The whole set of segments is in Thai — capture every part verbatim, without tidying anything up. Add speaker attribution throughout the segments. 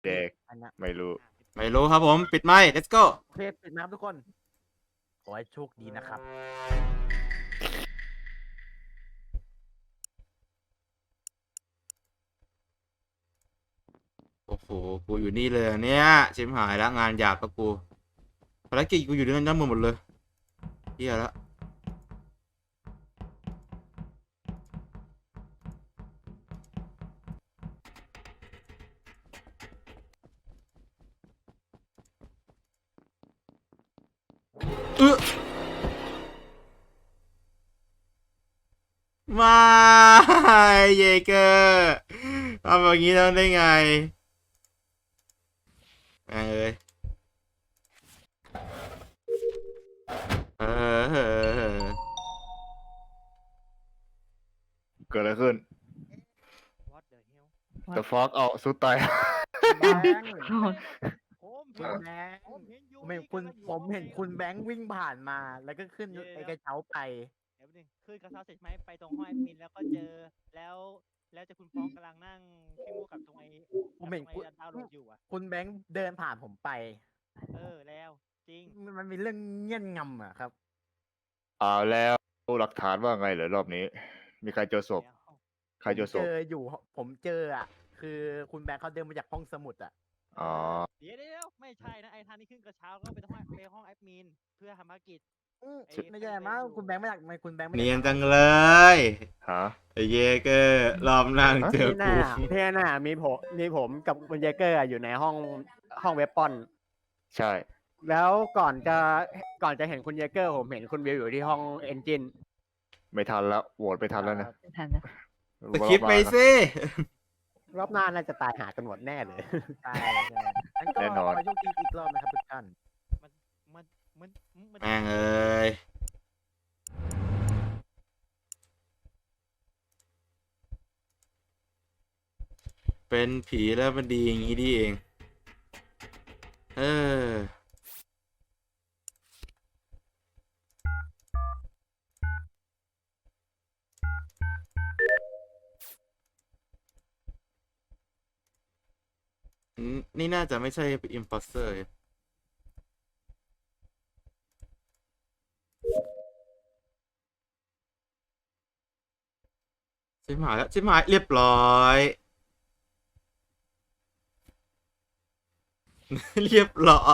Speaker 1: เด็ก
Speaker 2: อันนะ
Speaker 1: ไม่รู้
Speaker 3: ไม่รู้ครับผมปิดไมค์ let's go
Speaker 2: เพจปิดนะครับทุกคน ขอให้โชคดีนะครับ
Speaker 3: โอ้โหกูอยู่นี่เลยเนี่ยชิมหายแล้วงานหยาบกับกูภารกิจกูอยู่ด้านบนหมดเลยเฮียแล้วเออมาเยเกอร์ทำแบบนี้แล้วได้ไงแม่งเอ้ยเออเออ
Speaker 1: เกิดอะไรขึ้น
Speaker 4: What the hell
Speaker 1: The fuck เอาสุดตาย
Speaker 2: แบงค์
Speaker 4: ผม
Speaker 2: คุณแบงค์
Speaker 4: ผมเห็นยู
Speaker 2: ผมเห็นคุณผมเห็นคุณแบงค์วิ่งผ่านมา แล้วก็ขึ้นไอ้กระเช้าไป
Speaker 4: เดี๋ยวนึงขึ้นกระเช้าเสร็จไหมไปตรงห้องแอดมินแล้วก็เจอแล้วแล้วเจะคุณฟ้องกำลังนั่งขี้มูกกับตรงไอ้
Speaker 2: ผมเห็น
Speaker 4: กับตรง
Speaker 2: คุณ
Speaker 4: ไอ้ดาวน์โหลดอยู่อ่ะ
Speaker 2: คุณแบงค์เดินผ่านผมไป
Speaker 4: เออแล้วจริง
Speaker 2: มันมันมีเรื่องเงี้ยนงำอะครับ
Speaker 1: เอาแล้วหลักฐานว่าไงเหรอรอบนี้ มีใครเจอศพ
Speaker 4: แล้ว
Speaker 1: ใครเจอศ
Speaker 2: เจ
Speaker 1: พ
Speaker 2: ออยู่ ผมเจออะคือคุณแบงค์เขาเดินมาจากห้องสมุดอะ
Speaker 1: อ๋อ
Speaker 4: เดี๋ยวเดี๋ยวไม่ใช่นะไอ้ทางที่ขึ้นกระเช้าก็ไปห้องไปห้องแอดมินเพื่อทำภารกิจ
Speaker 2: อื้อ
Speaker 4: ไอ้
Speaker 2: ไม่ใช่มั้งคุณแบงค์ไม่อยากไม่คุณแบงค์ไม่อ
Speaker 3: เนีย
Speaker 2: ยาน ก
Speaker 3: จังเลย
Speaker 1: ฮะ
Speaker 3: ไอ้เยเกอร์รอบหน้ามึงเจอ
Speaker 5: พี่ห
Speaker 3: กู
Speaker 5: น้าพี่หน้ามีผมมีผมกับคุณเยเกอร์อยู่ในห้องห้องเว็บปอน
Speaker 1: ใช่
Speaker 5: แล้วก่อนจะก่อนจะเห็นคุณเยเกอร์ ผมเห็นคุณวิวอยู่ที่ห้องเอนจิน
Speaker 1: ไม่ทันแล้วโหวตไม่ทันแล้วนะ
Speaker 6: ไม่ทันนะ
Speaker 3: สคริปต์ไปสิ
Speaker 5: รอบหน้าน่าจะตายหากันหมดแน่เลย
Speaker 2: ใช่ใช่งั้นก็
Speaker 1: แน่นอน
Speaker 2: ขอโชคดีอีกรอบนะครับทุกท่าน
Speaker 4: มันมันมันมัน
Speaker 3: แม่งเอ้ยเป็นผีแล้วมันดีอย่างนี้ดีเอง เออ อืมนี่น่าจะไม่ใช่ imposter ชิบหายแล้วชิบหายเรียบร้อย เรียบร้อย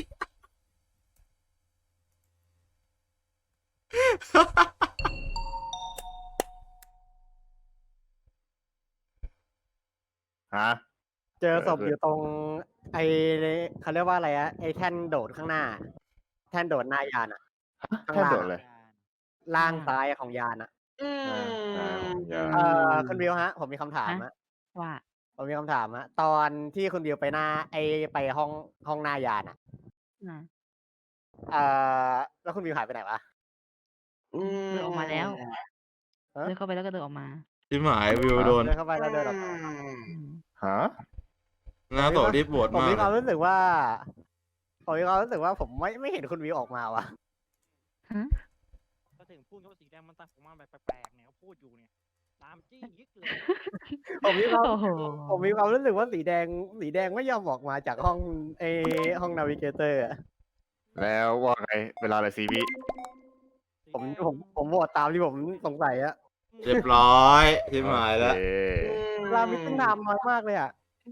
Speaker 1: ฮะ
Speaker 5: เจอศพ
Speaker 1: เออ
Speaker 5: อยู่ตรง ไอเขาเรียกว่าอะไรอะไอแท่นโดดข้างหน้า แท่นโดดหน้ายานอะ ข้าง
Speaker 1: แค่
Speaker 5: ล่าง
Speaker 1: โดดเลย
Speaker 5: ล่างซ้ายของยานอะ
Speaker 1: อ่าอ่าผมยา
Speaker 5: เอ่อคุณวิวฮะ ผมมีคำถามฮะ
Speaker 6: ว่า
Speaker 5: ผมมีคำถามฮะตอนที่คุณวิวไปหน้า ไอไปห้องห้องหน้ายานอะ
Speaker 6: อ่า
Speaker 5: เอ่อแล้วคุณวิวหายไปไหนวะ
Speaker 6: เดินออกมาแล้ว
Speaker 5: ฮะ
Speaker 6: เดินเข้าไปแล้วก็เดินออกมา
Speaker 3: ชิบหายวิวโดน
Speaker 5: เดินเข้าไปแล้วเดินออกมา
Speaker 6: อืม
Speaker 1: ฮะ
Speaker 3: หน้าต่อรีบโหวต
Speaker 5: ผม
Speaker 3: มาก
Speaker 5: มีความ
Speaker 3: เลย
Speaker 5: รู้สึกว่า ผมมีความรู้สึกว่าผมไม่ไม่เห็นคุณวิวออกมาวะ
Speaker 6: ฮะ
Speaker 4: ก็ถึงพูดว่าสีแดงมันตั้งผมมาแบบแปลกๆเนี่ยเขาพูดอยู่เนี่ยตามจี้ยิกเลย
Speaker 5: ผมมีความ
Speaker 6: โอ้โห
Speaker 5: ผมมีความรู้สึกว่าสีแดง สีแดงไม่ยอมออกมาจากห้องเอห้องนาวิเกเตอร์
Speaker 1: แล้วว่าไง เวลาอะไรซีวิ
Speaker 5: ผมผมผมโหวตตามที่ผมสงสัยอะ
Speaker 3: เรียบร้อยชิบหายแล้ว
Speaker 1: โอเค
Speaker 5: เวลามิตั้งนานน้อยมากเลยอะ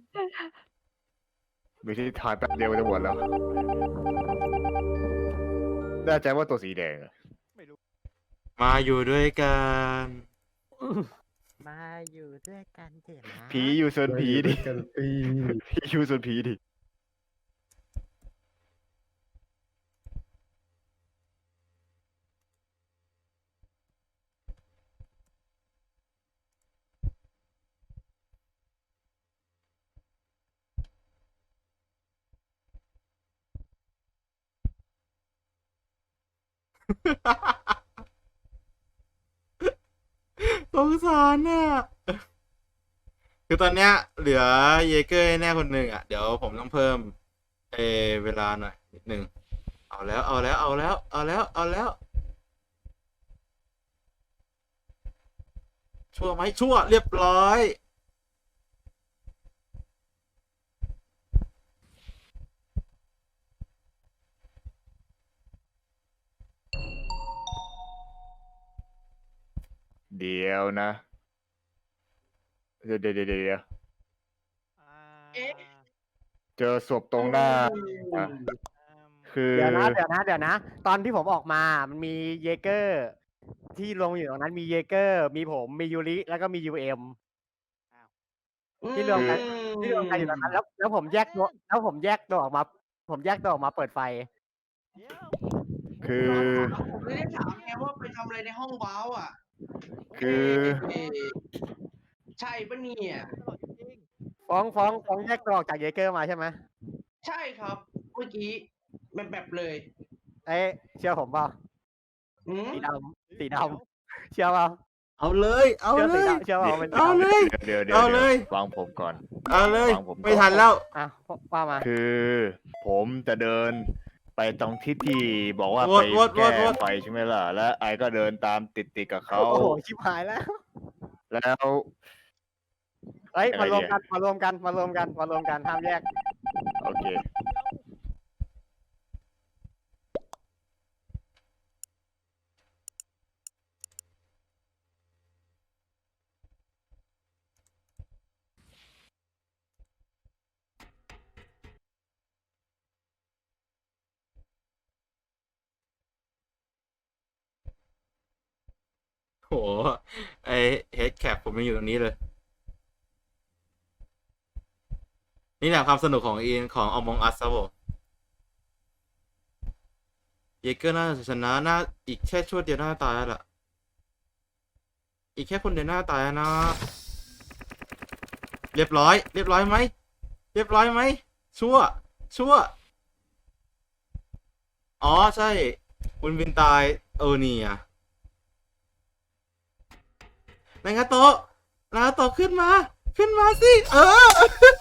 Speaker 1: มีที่ทายแป๊บเดียวจะหมดแล้วแน่ใจว่าตัวสีแดงอะ
Speaker 4: ไม่รู้
Speaker 3: มาอยู่ด้วยกัน
Speaker 2: มาอยู่ด้วยกันเถอะนะ
Speaker 1: ผีอยู่ส่วนผีดิผีอยู่ส่วนผีดิ
Speaker 3: สงสารน่ะ คือตอนเนี้ย เหลือเยเกอร์แน่คนหนึ่งอ่ะ เดี๋ยวผมต้องเพิ่มเออเวลาหน่อยนิดหนึ่ง เอาแล้ว เอาแล้ว เอาแล้ว เอาแล้ว เอาแล้ว ชั่วไหมชั่วเรียบร้อย
Speaker 1: เดี๋ยวนะ เดี๋ยวเดี๋ยวเดี๋ยวเดี๋ยว
Speaker 4: อ่า
Speaker 1: เจอศพตรงหน้าอ่ะ
Speaker 4: อืม
Speaker 1: คือ
Speaker 5: เดี๋ยวนะเดี๋ยวนะเดี๋ยวนะ ตอนที่ผมออกมามันมีเยเกอร์ ที่ลงอยู่ตรงนั้นมีเยเกอร์ มีผมมียูริแล้วก็มียูเอ็มที่รวมกันที่รวมกันอยู่ตรงนั้นแล้วแล้วผมแยกตัวแล้วผมแยกตัวออกมา ผมแยกตัวออกมาเปิดไฟ
Speaker 4: เดี๋ยว
Speaker 1: คือ
Speaker 7: ผมไม่ได้ถามไงว่าไปทำอะไรในห้องว้าวอ่ะ
Speaker 1: คือ
Speaker 7: เอ๊ะใช่ปะเนี่ย
Speaker 4: ตลอดจริง
Speaker 5: ฟ้องฟ้องฟ้องแยกตัวออกจากเยเกอร์มาใช่ไหม
Speaker 7: ใช่ครับ เมื่อกี้แบบแบบเลย
Speaker 5: เอ้ยเชื่อผมเปล่า
Speaker 7: อืม
Speaker 5: สีดำสีดำเชื่อเปล่า
Speaker 3: เอาเลยเอา
Speaker 5: เชื่อ
Speaker 3: เล
Speaker 5: สี
Speaker 3: ย
Speaker 5: ดำเชื่อเปล่าเป็นสี
Speaker 3: เอา
Speaker 5: ดำ
Speaker 3: เลย
Speaker 1: เดี๋ยวเดี๋ยว
Speaker 3: เอา
Speaker 1: เดี๋ยว
Speaker 3: เลย
Speaker 1: ฟังผมก่อน
Speaker 3: เอาเลย
Speaker 1: ฟังผมก่อน
Speaker 3: ไม่ทันแล้ว
Speaker 5: อ่ะว่ามา
Speaker 1: คือผมจะเดินไปตรงที่ที่บอกว่า
Speaker 3: ว
Speaker 1: ไป
Speaker 3: ดวดว
Speaker 1: แก้
Speaker 3: ดวด
Speaker 1: ไฟใช่ไหมล่ะ แล้วไอก็เดินตามติดติดๆกับเขา
Speaker 5: โอ้โหชิบหายแล้ว
Speaker 1: แล้ว
Speaker 5: เอ้ย
Speaker 1: อะไร
Speaker 5: มารวม
Speaker 1: เนี่ย
Speaker 5: กันมารวมกันมารวมกันมารวมกันห้ามแยก
Speaker 1: โอเค
Speaker 3: โหไอเฮดแคปผมยังอยู่ตรงนี้เลย นี่แหละความสนุกของอีนของ Among Us ครับผมเยเกอร์น่าจะชนะน่าอีกแค่ชั่วเดียวน่าตายแล้วล่ะ อีกแค่คนเดียวน่าตายแล้วนะ เรียบร้อย เรียบร้อยไหม เรียบร้อยไหม ชั่ว ชั่ว อ๋อ ใช่ คุณวินตายเออนี่อ่ะนางาโตะนางาโตะขึ้นมา ขึ้นมาสิ เออ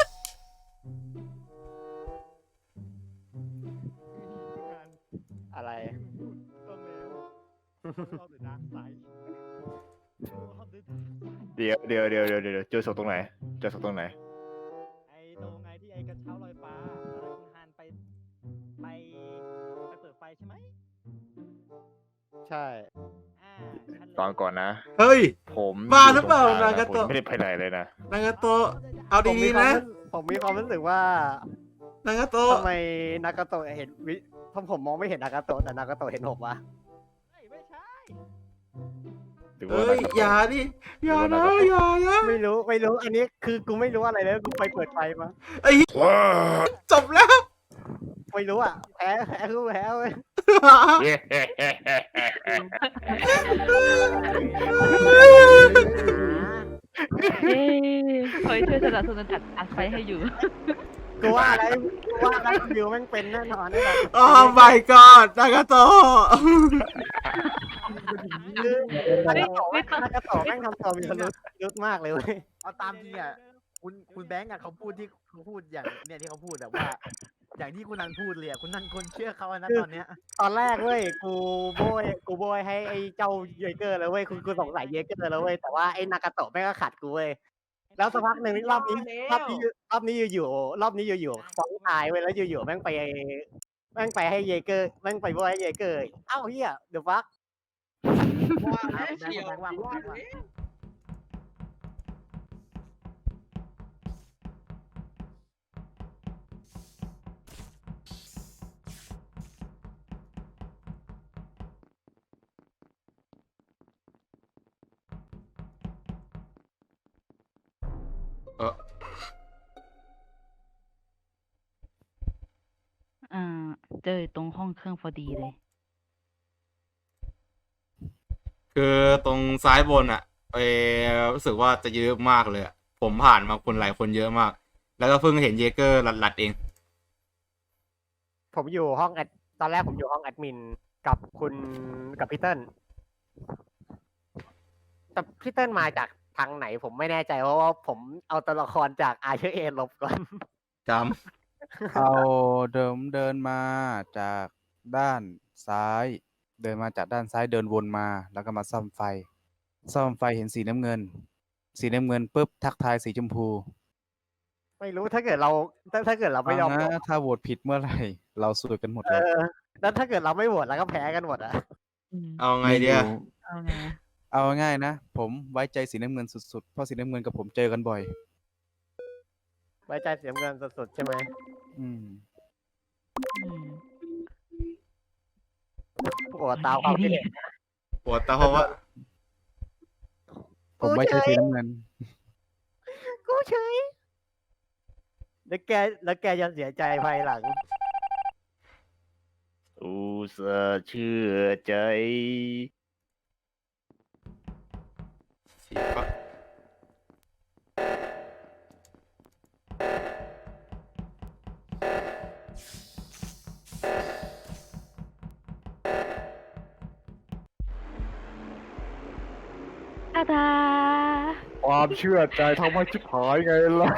Speaker 5: อะไร
Speaker 4: ต้องเร็วเราเดินทางสายเราเดินทางสาย
Speaker 1: เดี๋ยวเดี๋ยวเดี๋ยวเดี๋ยวเดี๋ยวเจอศพตรงไหน เจอศพตรงไหน
Speaker 4: ไอ้ตรงไงที่ไอ้กระเช้าลอยฟ้าแล้วคุณฮันไปไปไปเปิดไฟใช่ไหม
Speaker 5: ใช่
Speaker 4: อ่าฉันเลย
Speaker 1: ตอนก่อนนะ
Speaker 3: เฮ้ย
Speaker 1: ผม
Speaker 3: บ้าหรือเปล่า
Speaker 1: ยู่ตงกล
Speaker 3: นางา
Speaker 1: ผม
Speaker 3: โตะ
Speaker 1: ไม่ได้ไปไหนเลยนะ
Speaker 3: นางาโตะเอา
Speaker 5: ผมมี
Speaker 3: ดี
Speaker 5: ควา
Speaker 3: ๆ
Speaker 5: ม
Speaker 3: นะ
Speaker 5: รู้ผมมีความรู้สึกว่าน
Speaker 3: างาโตะ
Speaker 5: ทำไมนากาโตะเห็นวิทำผมมองไม่เห็นนากาโตะแต่นากาโตะเห็นผมวะ
Speaker 4: เฮ้ยไม่ใช่
Speaker 1: หรือว่า
Speaker 3: เอ้ย
Speaker 1: นางาโตะ
Speaker 3: อย่าดิ อย่านะอย่านะ
Speaker 5: ไม่รู้ไม่รู้อันนี้คือกูไม่รู้อะไรเลยกูไปเปิดไฟมา
Speaker 3: ไอ้เหี้ย
Speaker 1: ว้า
Speaker 3: จบแล้ว
Speaker 5: ไม่รู้อ่ะแพ้แพ้คือแพ้เว้ย
Speaker 1: เย้
Speaker 6: เย้คอยช่วยสนับสนุนจัดอัดไฟให้อยู่
Speaker 5: กูว่าอะไรกูว่าอะไรวิวแม่งเป็นแน่นอนแน่นอน
Speaker 3: โอ้ my god นางาโตะ
Speaker 5: คือนากาโตะแม่งนากาโตะแม่งทำตัวมีพิรุษพิรุษมากเลยเว้ย
Speaker 2: เอาตามจริงอ่ะคุณคุณแบงค์อ่ะเขาพูดที่เขาพูดอย่างเนี่ยที่เขาพูดแบบว่า อย่างที่คุณนันพูดเลยอะคุณนันคนเชื่อเขาอะนะตอนเนี้ย
Speaker 5: ตอนแรกเว้ยกูโบยกูโบยให้ไอ้เจ้าเยเกอร์แล้วเว้ยกูกูสงสัยเยเกอร์แล้วเว้ยแต่ว่าไอ้นากาโตะแม่งก็ขัดกูเว้ยแล้วสักพักหนึ่งรอบนี้รอบนี้รอบนี้อยู่ๆรอบนี้อยู่ๆฟ้องตายเว้ยแล้วอยู่ๆแม่งไปแม่งไปให้เยเกอร์แม่งไปโบยให้เยเกอร์เอ้าเฮียเดี๋ยวฟัก
Speaker 7: ว่าแล้วเชียวว่าแล้ว
Speaker 3: เออ
Speaker 6: อ่า เจอตรงห้องเครื่องพอดีเลย
Speaker 3: คือตรงซ้ายบนอ่ะเออรู้สึกว่าจะเยอะมากเลยอะผมผ่านมาคนหลายคนเยอะมาก แล้วก็เพิ่งเห็นเยเกอร์หลัดๆเอง
Speaker 5: ผมอยู่ห้องแอดตอนแรกผมอยู่ห้องแอดมินกับคุณกับพี่เติ้ลแต่พี่เติ้ลมาจากทางไหนผมไม่แน่ใจเพราะว่าผมเอาตัวละครจากอาเชอร์เอลบก่อน
Speaker 3: จ
Speaker 8: เอาเดิมเดินมาจากด้านซ้าย เดินมาจากด้านซ้ายเดินวนมา แล้วก็มาซ่อมไฟ ซ่อมไฟเห็นสีน้ำเงิน สีน้ำเงินปุ๊บทักทายสีชมพู
Speaker 5: ไม่รู้ถ้าเกิดเราถ้าถ้าเกิดเราไม่ยอม
Speaker 8: ฟัง
Speaker 5: โหว
Speaker 8: นะ
Speaker 5: ต
Speaker 8: ถ้าโหวตผิดเมื่อไหร่ เราสวยกันหมด
Speaker 5: เอ
Speaker 8: เลย
Speaker 5: อแล้วถ้าเกิดเราไม่โหวตแล้วก็แพ้กันหมดอ่ะ
Speaker 6: อืม
Speaker 3: ำเอาไงเดีย
Speaker 8: ม่รู้
Speaker 6: เอาไงอะ
Speaker 8: เอาง่ายๆนะ ผมไว้ใจสีน้ำเงินสุดๆ เพราะสีน้ำเงินกับผมเจอกันบ่อย
Speaker 5: ไว้ใจเสียเงินสุดๆใช่ไหม
Speaker 8: อืม
Speaker 6: อืม
Speaker 5: โอ้ตามความคิดเห็น
Speaker 3: ปวดตาเพราะว่า
Speaker 8: ผมไว้ใจสีน้ำเงิน
Speaker 5: กูเฉยแล้วแกแล้วแกจะเสียใจภายหลัง
Speaker 1: อุตส่าห์เชื่อใจ
Speaker 3: สีฟ้า
Speaker 6: ตาตา
Speaker 1: ความเชื่อใจทำให้ชิบหายไงล่ะ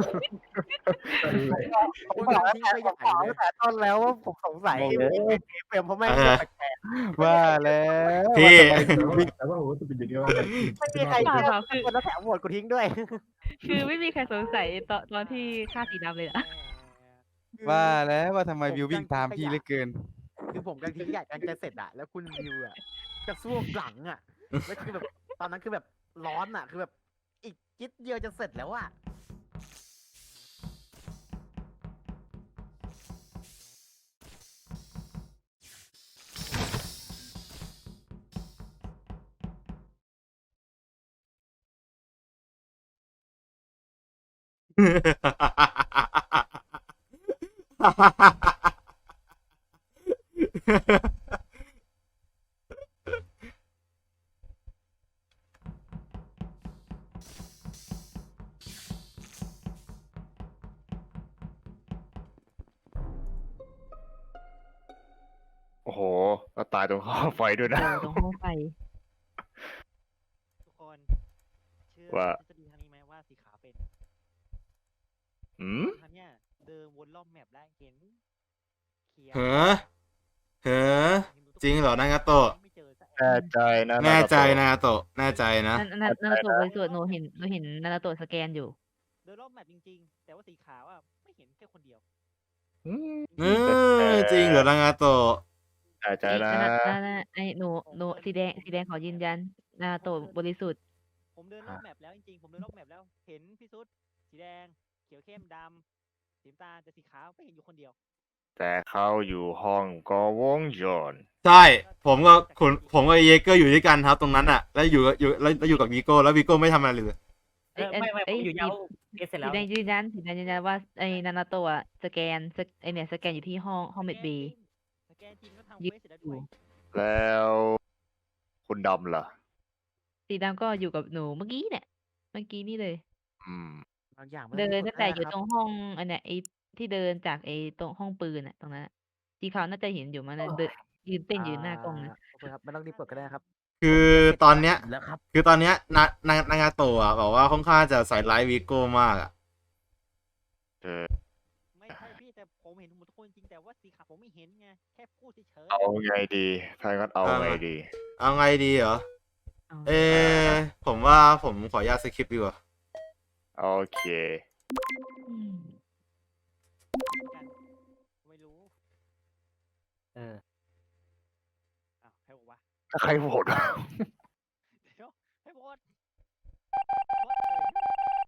Speaker 5: ผมบอกแล้วแต่ผมบอกตั้งแต่ต้นแล้วว่าผมสงสัยเปลี่ยนเพราะไม่งแปลก
Speaker 8: ว่าแล้ว
Speaker 3: พี่
Speaker 8: ว่าทำไมถึงวิ่ง
Speaker 5: ๆไม่มีใครเชื่อคนแล้วแถมโหวตกูทิ้งด้วย
Speaker 6: คือไม่มีใครสงสัยตอนตอนที่ฆ่าสีดำเลยนะ
Speaker 8: ว่าแล้วว่าทำไมวิววิ่งตามพี่เหลือเกิน
Speaker 2: คือผมกำลังทิ้งขยะกำลังจะเสร็จอะแล้วคุณวิวอะจะซ่วมหลังอะแล้วคือแบบตอนนั้นคือแบบร้อนอะคือแบบอีกจิ๊ดเดียวจะเสร็จแล้วอะ
Speaker 1: โอ้โหแล้วตายตรงข้อไฟด้วย
Speaker 6: เอ
Speaker 1: นะ
Speaker 6: อตรงห้องไฟ
Speaker 4: ทุกคนเชื่อ
Speaker 1: ว่า
Speaker 4: ทฤษฎีทางนี้ไหมว่าสีขาวเป็น
Speaker 1: อืม
Speaker 4: ทางเนี้ยเดินวนรอบแมปแล้วเห็นเขียว
Speaker 3: เฮ้อเฮ้อจริงเหรอนางาโตะ
Speaker 4: ไม่เจอสัก
Speaker 1: แน่ใจนะ
Speaker 3: แน่ใจ
Speaker 1: นะ
Speaker 3: นางาโตะแน่ใจนะ
Speaker 6: นานานานาโตะบริสุทธิ์หนูเห็นหนูเห็นนานาโตะสแกนอยู่
Speaker 4: เดินรอบแมปจริงๆ แต่ว่าสีขาวอ่ะไม่เห็นแค่คนเดียว
Speaker 1: อืม
Speaker 3: เออจริงเหรอนางาโตะ
Speaker 1: แน่ใจนะ
Speaker 6: นานานาไอหนูหนูสีแดงสีแดงขอยืนยันนานาโตะบริสุทธิ์
Speaker 4: ผมเดินรอบแมปแล้วจริงๆ ผมเดินรอบแมปแล้ว เห็นพี่ซุดสีแดง เขียวเข้มดำสีน้ำตาลแต่สีขาวไม่เห็นอยู่คนเดียว
Speaker 1: แต่เขาอยู่ห้องกอวงจร
Speaker 3: ใช่ ผมก็คุณผมกับเยเกอร์อยู่ด้วยกันครับตรงนั้นอ่ะ แล้วอยู่กับอยู่แล้วแล้วอยู่กับวีโก้แล้ววีโก้ไม่ทำอะไรเลย
Speaker 6: เอ้ย
Speaker 5: ไม่ไม่
Speaker 6: เอ้ย
Speaker 5: ผมอยู่
Speaker 6: สี
Speaker 5: ยาวเอสเสร็จ
Speaker 6: สี
Speaker 5: แล้ว
Speaker 6: แดงยืนยันสีแดงยืนยันว่าไอ้นานาโตะอะสแกนสแกไอเนี่ยสแกนอยู่ที่ห้องห้องเมดบี
Speaker 4: สแกนจริงก็ทำเควสเสร็จแล้วด้วย
Speaker 1: แล้วคุณดำล่ะ
Speaker 6: สีดำก็อยู่กับหนูเมื่อกี้เนี่ยเมื่อกี้นี่เลย
Speaker 1: อืม
Speaker 2: บางอย่างมั
Speaker 6: เดิน
Speaker 2: ไม่
Speaker 6: ตั้งแต่อยู่
Speaker 2: ค
Speaker 6: ตรงห้องอันเนี้ยไอ้ที่เดินจากไอ้ตรงห้องปืนอะตรงนั้นอะสีขาวน่าจะเห็นอยู่มันเลยเดินยืนเต้นอยู่หน้ากล้องนะ
Speaker 2: โอเคครับไม่ต้องรีบกดก็ได้ครับ
Speaker 3: คือตอนเนี้ย
Speaker 2: แล้วครับ
Speaker 3: คือตอนเนี้ยนานางนางาโตะอะบอกว่าค่อนข้างจะใส่ร้ายวีโก้มากอ่ะ
Speaker 1: เออ
Speaker 4: ไม่ใช่พี่แต่ผมเห็นหมดทุกคนจริงแต่ว่าสีขาวผมไม่เห็นไงแค่พูดเฉยๆ
Speaker 1: เอาไงดีถ้างั้นเอาไงดี
Speaker 3: เอาไงดีเหรอ
Speaker 6: เอา
Speaker 3: เออผมว่าผมขออนุญาตสคริปต์ดีกว่า
Speaker 1: โอเค
Speaker 6: อืม
Speaker 4: กันไม่รู้
Speaker 5: เออ
Speaker 4: อ้าวใครบอกว่า
Speaker 1: ถ้าใครโหวต
Speaker 4: เดี๋ยวให้โหวตโหวตเลย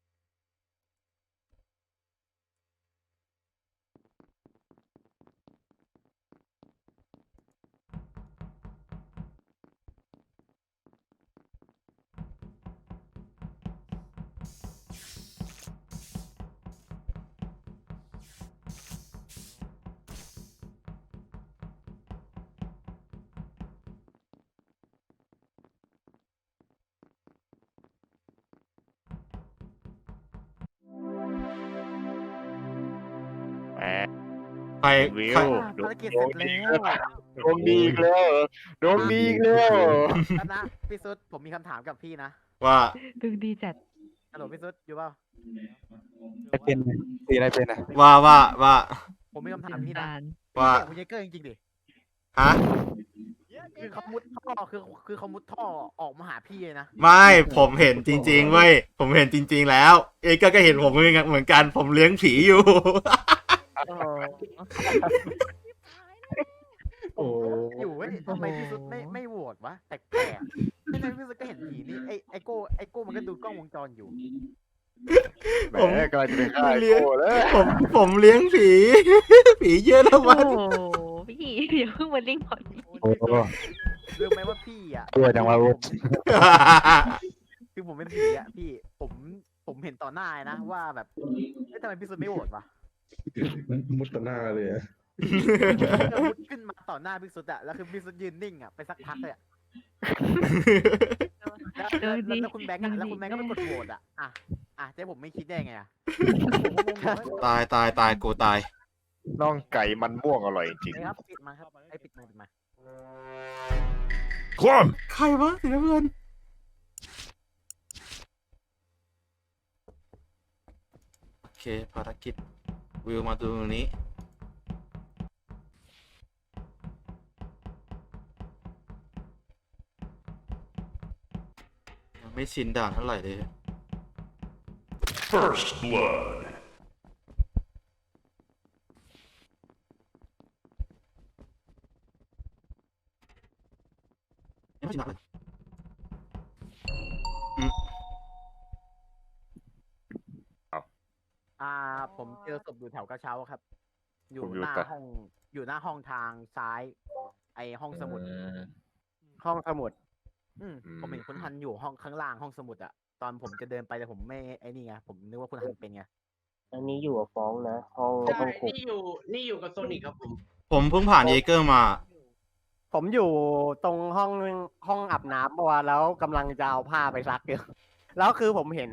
Speaker 1: แหม
Speaker 3: ใคร
Speaker 1: วิ
Speaker 3: ใคร
Speaker 1: ว
Speaker 2: ภารกิจเสร็จแล้ว
Speaker 1: ดวงดีอีกแล้วเหรอดวงดีอีกแล้วเหรอ
Speaker 2: แล้วนะพี่ซุดผมมีคำถามกับพี่นะ
Speaker 3: ว่า
Speaker 6: ดูดีจัด
Speaker 2: ฮัลโหลพี่ซุดอยู่เปล่า
Speaker 8: อะไรเป็นอะสีอะไรเป็นอะ
Speaker 3: ว่าว่าว่า
Speaker 2: ผมมีคำถามพี่
Speaker 6: น้ำ
Speaker 2: นะ
Speaker 6: ตาล
Speaker 3: ว่า
Speaker 2: พี่เก่งคุณเยเกอร์จริงๆดิ
Speaker 3: ฮะ
Speaker 2: คือเขามุดท่อคือคือเขามุดท่อออกมาหาพี่เลยนะ
Speaker 3: ไม่ผมเห็นจริงๆเว้ยผมเห็นจริง ๆ แล้ว เอเกอร์ก็เห็นผมเหมือนกันเหมือนกันผมเลี้ยงผีอยู่
Speaker 2: โอ้อยู่เว้ยทำไมพี่ซุดไม่ไม่โหวตวะแปลกๆไม่ไม่ก้ไอ้โก้มันก็ดูกล้องวงจรอยู่
Speaker 1: แหมกำลังจะไปฆ่าไอ้โก้แล้ว
Speaker 3: ผมผมเลี้ยงผี ผีเยอะแล้ว
Speaker 6: โอ้
Speaker 3: มัน
Speaker 6: โหพี่อย่าเพิ่งมาลิงก์ก่อน
Speaker 8: โอ้โห
Speaker 2: รู้ไหมว่าพี่อ่ะ
Speaker 8: ตัวจังวะ
Speaker 2: ผมคือผมเป็นผีอ่ะพี่ผมผมเห็นต่อหน้าเลยนะว่าแบบเอ๊ะทำไมพี่สุดไม่โหวตวะ
Speaker 9: มุดต่อหน้าเลยอะ
Speaker 2: ก็มุดขึ้นมาต่อหน้าพี่สุดอะแล้วคือพี่สุดยืนนิ่งอะไปสักพักเลยอะแล้วแล้วแล้วแล้วคุณแบงค์อะแล้วคุณแบงค์ก็ไปกดโหวตอะอ่ะอ่ะเจ๊ผมไม่คิดได้ไงอะผมก็งงๆว่า
Speaker 3: ตายตายตายกูตาย
Speaker 1: น่องไก่มันม่วงอร่อยจริง
Speaker 2: เอ้ยครับปิดมาครับไอ้ยปิดมาปิดมา
Speaker 1: คว่
Speaker 3: ใครวะสีน้ำเงินโอเคภารกิจวิวมาดูตรงนี้ยังไม่ชินด่านเท่าไหร่เลย
Speaker 10: First blood.
Speaker 3: ยังไม่ชินด่านเลย
Speaker 2: อ่าผมเจอศพอยู่แถวกระเช้าครับ อยู่หน้าห้องอยู่หน้าห้องทางซ้าย ไอห้องสมุด
Speaker 5: ห้องสมุด
Speaker 2: อืมผมเห็นคุณทันอยู่ห้องข้างล่างห้องสมุดอะตอนผมจะเดินไปแต่ผมไม่ไอ้นี่ไงผมนึกว่าคุณทันเป็นไง
Speaker 5: อันนี้อยู่กับฟ้องนะ ห้อง
Speaker 7: ใช่
Speaker 5: ห้องคุก
Speaker 7: นี่อยู่นี่อยู่กับโซนิกครับผม
Speaker 3: ผมเพิ่งผ่านเยเกอร์มา
Speaker 5: ผมอยู่ตรงห้องห้องอาบน้ำเมื่อวานแล้วกำลังจะเอาผ้าไปซักอยู่ แล้วคือผมเห็น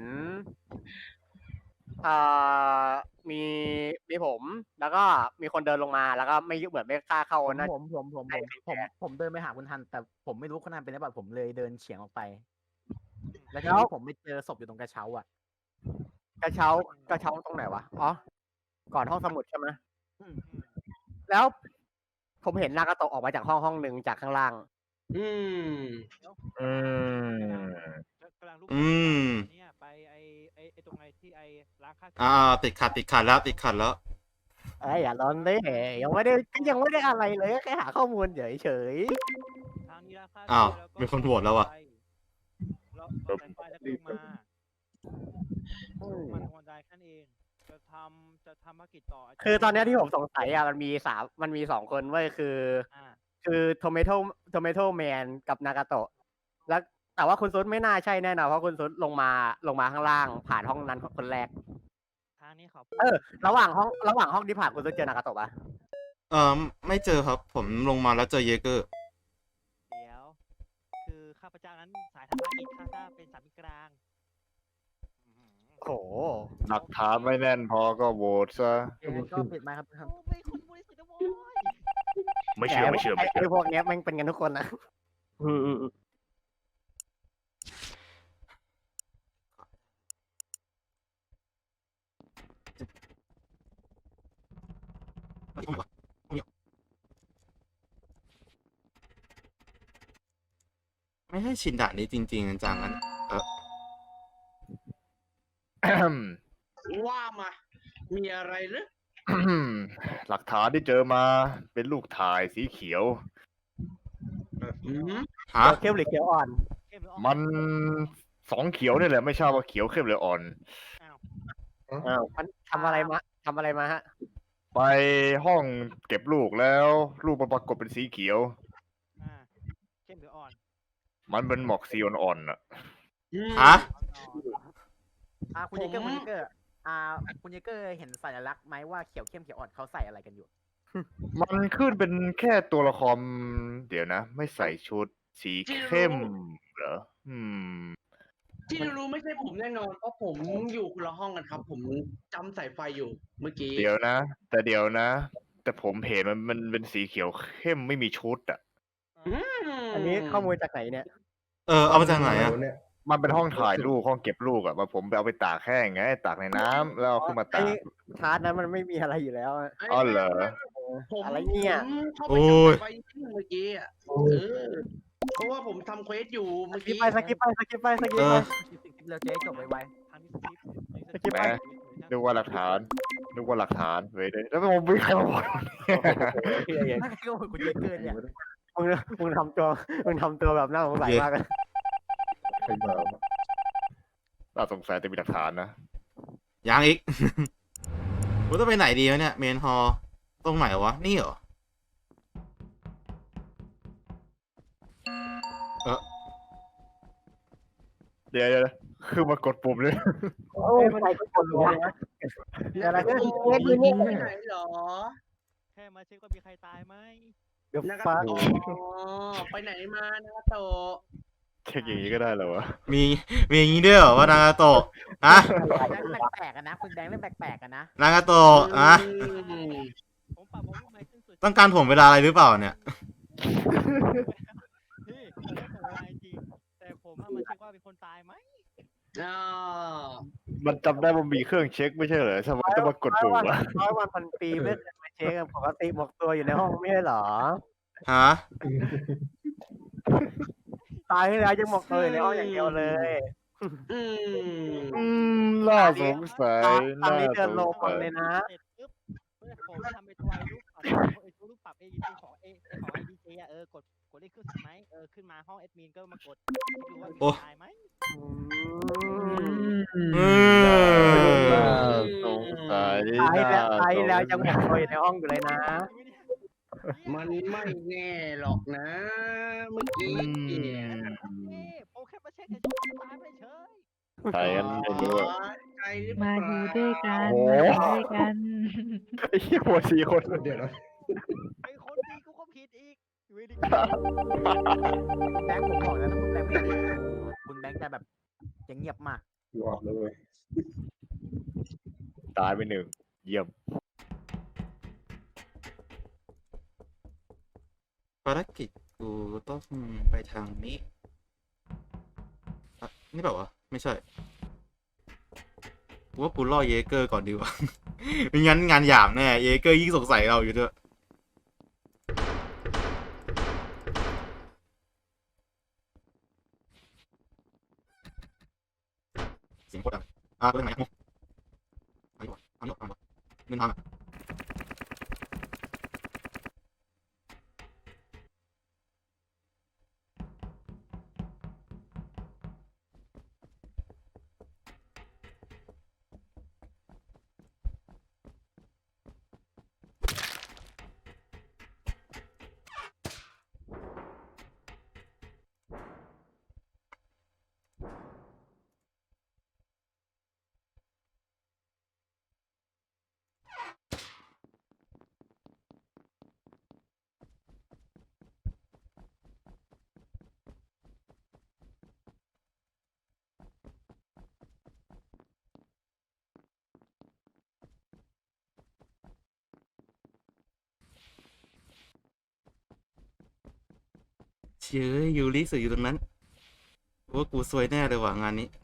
Speaker 5: อ่ามีมีผม แล้วก็มีคนเดินลงมา แล้วก็ไม่เหมือนไม่กล้าเข้า
Speaker 2: ผม
Speaker 5: นะ
Speaker 2: ผมผมผมผมผมผมเดินไปหาคุณทัน แต่ผมไม่รู้คุณทันเป็นหรือเปล่าผมเลยเดินเฉียงออกไป แล้วทีนี้ผมไปเจอศพอยู่ตรงกระเช้าอ่ะ
Speaker 5: กระเช้ากระเช้าตรงไหนวะ อ๋อ ก่อนห้องสมุดใช่ไหม
Speaker 2: อืม
Speaker 5: แล้ว ผมเห็นนากาโตะออกมาจากห้องห้องหนึ่งจากข้างล่าง
Speaker 7: อืม
Speaker 1: อืม
Speaker 4: กำลังลุก
Speaker 3: อืม
Speaker 4: เนี่ยไปไอไอไอตรงไอที่ไอร้านข้าว
Speaker 3: อ่าติดขัดติดขัดแล้วติดขัดแล้ว
Speaker 5: เอ้ยอย่าร้อนเลยยังไม่ได้ยังไม่ได้อะไรเลยแค่หาข้อมูลเฉยเฉย
Speaker 4: ทางนี้ร้านข้าว
Speaker 3: อ้าว
Speaker 4: แล้วก็
Speaker 3: มีคนโหวตแล้วอะ
Speaker 4: แล้วก็สายไฟแล้วก็ลงมา
Speaker 5: ๆอืม
Speaker 4: มันวันใดแค่นั้นเอง จะทำจะทำภารกิจต่ออาจจะ
Speaker 5: คือตอนเนี้ยที่ผมสงสัยอ่ะมันมีสามมันมีสองคนเว้ยคือ
Speaker 4: อ่า
Speaker 5: คือโทเมโตโทเมโตแมนกับนากาโตะแล้วแต่ว่าคุณซุดไม่น่าใช่แน่นอนเพราะคุณซุดลงมาลงมาข้างล่าง ผ่านห้องนั้นคนแรก
Speaker 4: ทางนี้ขอบ
Speaker 5: เออ ระหว่างห้องระหว่างห้องที่ผ่านคุณซุดเจอนากาโตะปะ
Speaker 3: เออไม่เจอครับ ผมลงมาแล้วเจอเยเกอร์
Speaker 4: เดี๋ยว คือข้าพเจ้านั้นสายทำภารกิจข้าพเจ้าเป็นสามีกลางอื้อหือ
Speaker 5: โอ้โห
Speaker 1: หลักฐานไม่แน่นพอก็โหวตซะ
Speaker 2: งั้นก็ปิดไมค์ครับคุณทัน
Speaker 4: โอ้เป็นคนบริสุทธิ์นะโว้ย
Speaker 1: ไม่เชื่อไม่เชื่อ
Speaker 5: ไอ้
Speaker 1: ไม่เชื่อ
Speaker 5: ไอ้พวกเนี้ยแม่งเป็นกันทุกคนนะอืมอืมอืม
Speaker 3: ไม่ให้ชินด่านนี้จริงๆจังๆงั้นเออ
Speaker 7: ว่ามา มีอะไรหรือ
Speaker 1: หลักฐานที่เจอมาเป็นลูกถ่ายสีเขียว
Speaker 7: อืม
Speaker 3: ฮะ
Speaker 5: เขียวเข้มหรือเขียวอ่อน
Speaker 4: เข้มหรืออ่อน
Speaker 1: มันสองเขียวนี่แหละไม่ทราบว่าเขียวเข้มหรืออ่อน
Speaker 4: อ้าว
Speaker 5: อ้าวมันทำอะไรมาทำอะไรมาฮะ
Speaker 1: ไปห้องเก็บลูกแล้วลูกมันปรากฏเป็นสีเขียว
Speaker 4: อ่าเข้มหรืออ่อน
Speaker 1: มันเป็นหมอกสีอ่อนๆน่ะ
Speaker 7: อืม
Speaker 3: ฮะ
Speaker 2: อ่าคุณเยเกอร์คุณเยเกอร์อ่าคุณเยเกอร์เห็นสัญลักษณ์ไหมว่าเขียวเข้มเขียวอ่อนเขาใส่อะไรกันอยู่
Speaker 1: มันขึ้นเป็นแค่ตัวละครเดี๋ยวนะ ไม่ใส่ชุดสีเข้มเหรออืม
Speaker 7: ที่รู้ไม่ใช่ผมแน่นอน เพราะผมอยู่คนละห้องกันครับ ผมจำสายไฟอยู่เมื่อกี้
Speaker 1: เดี๋ยวนะ แต่เดี๋ยวนะ แต่ผมเห็นมันมันเป็นสีเขียวเข้มไม่มีชุดอ่ะ
Speaker 7: อืม
Speaker 5: อันนี้ข้อมูลจากไหนเนี่ย
Speaker 3: เออเอามาจากไหนอะ
Speaker 9: เนี่ย
Speaker 1: มันเป็นห้องถ่ายรูปห้องเก็บลูกอ่ะมาผมไปเอาไปตากแห้งไงตากในน้ำแล้วเอาขึ้นมาตาก
Speaker 5: ไอ้ชาร์ตนั้นมันไม่มีอะไรอยู่แล้วอะ
Speaker 1: อ๋อเหรอ
Speaker 7: ผม
Speaker 5: อะไรเนี่ย
Speaker 7: ผมเข้าไป
Speaker 3: โอ้ย
Speaker 7: จำสายไฟที่เมื่อกี้อ่ะเออ เพราะว่าผมทำเควสอยู่
Speaker 5: ส
Speaker 7: เมื่อ
Speaker 5: กิป
Speaker 7: กี้
Speaker 5: ไปสกิปไปสกิปไปสกิป
Speaker 3: เอ
Speaker 5: ไป
Speaker 3: อ
Speaker 2: เร็วเจ๊จบไว
Speaker 4: ทางนี้สคริปต์
Speaker 5: สกิปไป
Speaker 1: แหม นึกว่าหลักฐานนึกว่าหลักฐานเว้ยเดี๋ยวแล้วผมไม่มีใครมาบอกเนี่ย
Speaker 2: ๆนั่นก็คุณเยเกอร์เนี่ย
Speaker 5: มึงมึงทำตัวมึงทำตัวแบบน่าสงสัยมากเลย
Speaker 9: ใครมาวะ
Speaker 1: น่าสงสัยแต่มีหลักฐานนะ
Speaker 3: ยังอีก กูต้องไปไหนดีวะเนี่ยเมนฮอลตรงไหนวะ นี่เหรอ เออ
Speaker 1: เดี๋ยวเดี๋ยวคือมากดปุ่มเลย
Speaker 5: โอ้ยมันไหนก็คนรู้นะอะไรก็
Speaker 7: โอ้ยนี่ไปไหนเหรอ
Speaker 4: แค่มาเช็คว่ามีใครตายไหม
Speaker 5: เดี๋ยว
Speaker 7: นะ
Speaker 5: ฟ้า
Speaker 7: อ๋อไปไหนมานะโต
Speaker 1: เช็คอย่างนี้ก็ได้เหรอวะ
Speaker 3: มีมีอย่างนี้ด้วยเหรอว่านางาโตะฮะ
Speaker 2: แดงแปลกๆกันนะคุณแดงเล่นแปลกๆกันนะ
Speaker 3: นางาโตะอะ
Speaker 7: อืม
Speaker 4: ผมปรับวอลลุ่มไมค์ขึ้นสุด
Speaker 3: ต้องการถ่วงเวลาอะไรหรือเปล่าเนี่ย
Speaker 4: พี่ผมได้ผมเวลาจริงแต่ผมอะมาเช็คว่าเป็นคนตายไหม
Speaker 7: อ๋อ
Speaker 1: มันจำได้ว่ามีเครื่องเช็คไม่ใช่เหรอทำไมต้องมากดปุ่ม
Speaker 5: วัน
Speaker 1: วะ
Speaker 5: ร้อยวันพันปีไม่เคยมาเช็คอะปกติหมกตัวอยู่ในห้องไม่ใช่เหรอ
Speaker 3: ฮะ
Speaker 5: ตายที่แล้วยังหมกตัวอยู่ในห้องอย่างเดียวเลย
Speaker 7: อืม
Speaker 1: อืมน่าสงสัย
Speaker 5: ตอน
Speaker 1: น่า
Speaker 5: นี้เดิ
Speaker 1: ส
Speaker 5: น
Speaker 1: ง
Speaker 5: ลง
Speaker 1: สัย
Speaker 5: เลยนะ
Speaker 4: เสร็จปุ๊บเมื่อผมทำไปตัวไอ้ลูกปรับไอ้ตัวลูกปรับไอ้ของไอ้ของไอ้ดีเจอะเออกดกดเลขขึ้นไหมเออขึ้นมาห้องแอดมินก็มากดดูว่ามี
Speaker 3: โอ้
Speaker 4: ตายไหม
Speaker 3: อืม
Speaker 1: น่าสงสัย
Speaker 5: ตายแล้ว
Speaker 1: น่
Speaker 5: ตายแล้ว
Speaker 1: สง
Speaker 5: ยังหมกตัวอยู่ในห้องอยู่เลยนะ
Speaker 7: มันไม่แน่หรอกนะ เมื่อกี้
Speaker 1: อื
Speaker 7: เนี่ย
Speaker 1: ม
Speaker 4: เอ้ผมแค่มาเช็คเฉยๆตายไปเฉย
Speaker 1: ใครกันไม่รู้อะ
Speaker 7: ใจหรือเป
Speaker 6: มา
Speaker 7: ล่า
Speaker 6: อยู่ด้วยกัน
Speaker 1: โอ้
Speaker 6: มาอยู่ด้วยกัน
Speaker 1: ไอ้เหี้ยหัวสี่คน
Speaker 9: เดี๋ยวนะ
Speaker 4: ไอ้คนดีกูก็ผิดอีกอยู่ดี
Speaker 2: แบงค์ผมบอกแล้วถ้าคุณแบงค์ไม่ดีคุณแบงค์จะแบบจะเงียบมาก
Speaker 9: หลอดเลย
Speaker 1: ตายไปหนึ่งเยี่ยม
Speaker 3: ภารกิจกูต้องไปทางนี้อะนี่แบบว่าวะไม่ใช่กูว่ากูล่อเยเกอร์ก่อนดีกว่า ไม่งั้นงานหยาบแน่ เยเกอร์ยิ่งสงสัยเราอยู่ด้วยเสียงโคตรดังอ่ะเรื่องไหนอ่ะเอาดีกว่าเอาดีกว่าเอาดีกว่าเงินทางอ่ะ เชื่อยูริสื่ออยู่ตรงนั้นว่ากูซวยแน่เลยว่ะงานนี้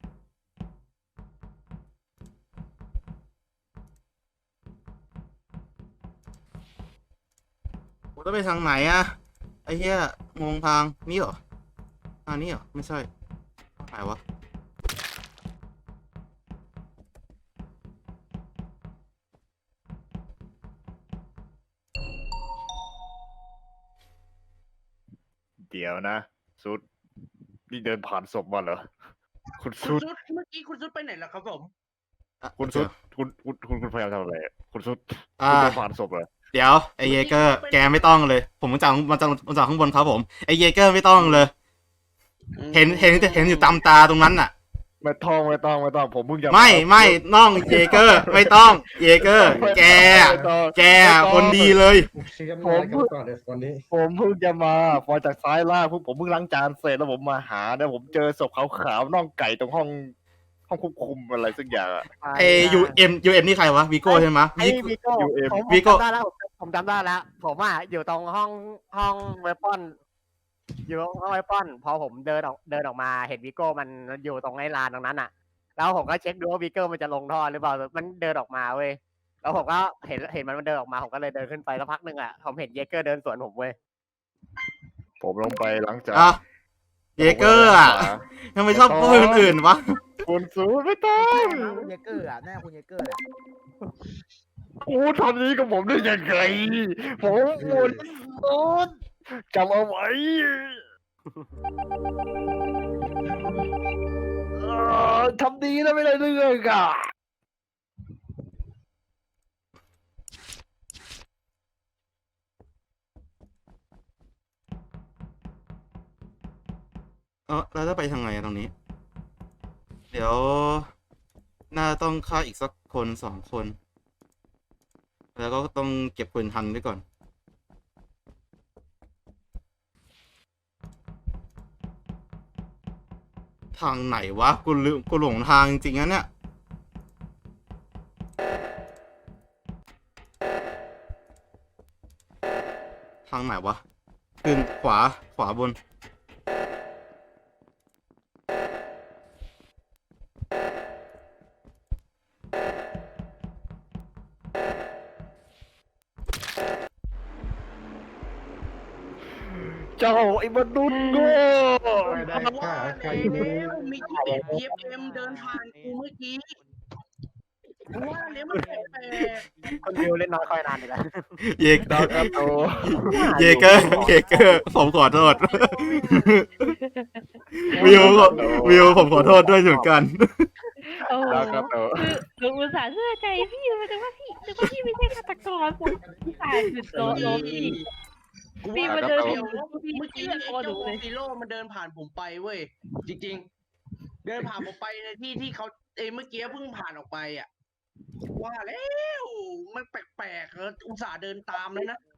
Speaker 3: กูต้องไปทางไหนอะไอ้เหี้ยงงทางนี่เหรอทางนี้เหรอไม่ใช่ทางไหนวะ
Speaker 1: เดี๋ยวนะสุดนี่เดินผ่านศพมาเหรอ คุณ
Speaker 7: คุณ
Speaker 1: สุด
Speaker 7: ซุดเมื่อกี้คุณซุดไปไหนล่ะครับผม
Speaker 3: อ่ะ
Speaker 1: คุณสุดคุณคุณคุณคุณพยายามทำอะไรอะคุณสุด
Speaker 3: อ่า
Speaker 1: คุณเดินผ่านศพเหรอ
Speaker 3: เดี๋ยวไอเยเกอร์แกไม่ต้องเลย ผมมาจากมาจากมาจากข้างบนครับผมไอเยเกอร์ไม่ต้องเลย เห็นเห็นเห็นอยู่ตามตาตรงนั้นน่ะ
Speaker 1: ไม่ต้องไม่ต้องไม่ต้องผมเพิ่งจะ
Speaker 3: ไม่ไม่น้องเยเกอร์ไม่ต้องเยเกอร์ แก
Speaker 1: ไม่ต้อง
Speaker 3: แกคนดีเลย
Speaker 9: เคลียร์อะไรกันก่อนเดี๋ยวตอนนี้
Speaker 1: ผมเพิ่งจะมาพอจากซ้ายล่างผมผมเพิ่งล้างจานเสร็จแล้วผมมาหาแล้วผมเจอศพขาวๆน่องไก่ตรงห้องห้องควบคุมอะไรสักอย่างอะ
Speaker 3: ไอยูเอ็มยูเอ็มนี่ใครวะวีโก้ใช่ไหม
Speaker 5: ไอ้
Speaker 3: วิ
Speaker 5: วิโก้
Speaker 1: ยูเอ็ม
Speaker 5: ผมผม
Speaker 3: วิโก้
Speaker 5: จำได้แล้วผมผมจำได้แล้วผมอ่ะอยู่ตรงห้องห้องเวปอนอยู่ห้องเวปอนพอผมเดินออกเดินออกมาเห็นวิโก้มันอยู่ตรงไอ้ลานตรงนั้นอ่ะ แล้วผมก็เช็คดูว่าวิโก้มันจะลงท่อหรือเปล่ามันเดินออกมาเว้ยแล้วผมก็เห็นเห็นมันเดินออกมาผมก็เลยเดินขึ้นไปแล้วพักหนึ่งอ่ะผมเห็นเยเกอร์เดินสวนผมเว้ย
Speaker 1: ผมลงไปล้างจาน
Speaker 3: อ่ะเยเกอร์อ่ะทำไมชอบพูดคนอื่นวะ
Speaker 1: คุณสูไม่ต้อง
Speaker 2: คุณเยเกอร์อ่ะแน่คุณเยเกอร์อ่ะ
Speaker 1: กูทำนี้กับผมได้ยังไงผมหมดสุดจำเอาไว้
Speaker 7: เอ
Speaker 1: อทำดีแล้วไม่ได้เรื่องอ่ะ
Speaker 3: เออเราจะไปทางไงอะตรงนี้ เดี๋ยว น่าต้องฆ่าอีกสักคนสองคน แล้วก็ต้องเก็บปืนทันไว้ก่อน ทางไหนวะ กูลืมกูหลงทางจริงๆนะเนี่ย ทางไหนวะขึ้นขวาขวาบน
Speaker 1: เจ้าไอ้มนุษย์โง่
Speaker 9: ไม่ได้ฆ่าใครเลย
Speaker 7: แล้วมีที่เอ็ดพีเอ็มเดินผ่านกูเมื่อกี้ว่าแล้วมันแปลก
Speaker 5: คนวิวเล่นน้อยคอยนานเลยนะ
Speaker 3: เยก
Speaker 1: ดาวกระโต
Speaker 3: เยเกอร์เยเกอร์ผมขอโทษ วิววิวผมขอโทษด้วยเหมือนกัน
Speaker 6: โอ้โห
Speaker 1: ดาวกระโต
Speaker 6: คือหนูอุตส่าห์เชื่อใจพี่แต่ว่าพี่แต่ว่าพี่ไม่ใช่ฆาตกรผมอุตส่าห์หยุดโลโลพี่
Speaker 7: ๆกู
Speaker 6: พี่
Speaker 7: ว่า
Speaker 6: มา
Speaker 7: เดี๋
Speaker 6: เดิ
Speaker 7: ย
Speaker 6: น
Speaker 7: ว
Speaker 6: อยู่พี่
Speaker 7: เมื่อกี้
Speaker 6: เชื่อ
Speaker 7: ไอ้
Speaker 6: ตัวหนู
Speaker 7: เจ้า
Speaker 6: เลย
Speaker 7: ซีโร่มันเดินผ่านผมไปเว้ยจริงๆ เดินผ่านผมไปในที่ที่เขาเอ้ยเมื่อกี้เพิ่งผ่านออกไปอ่ะว่าแล้วมันแปลกๆเอออุตส่าห์เดินตามเลยนะ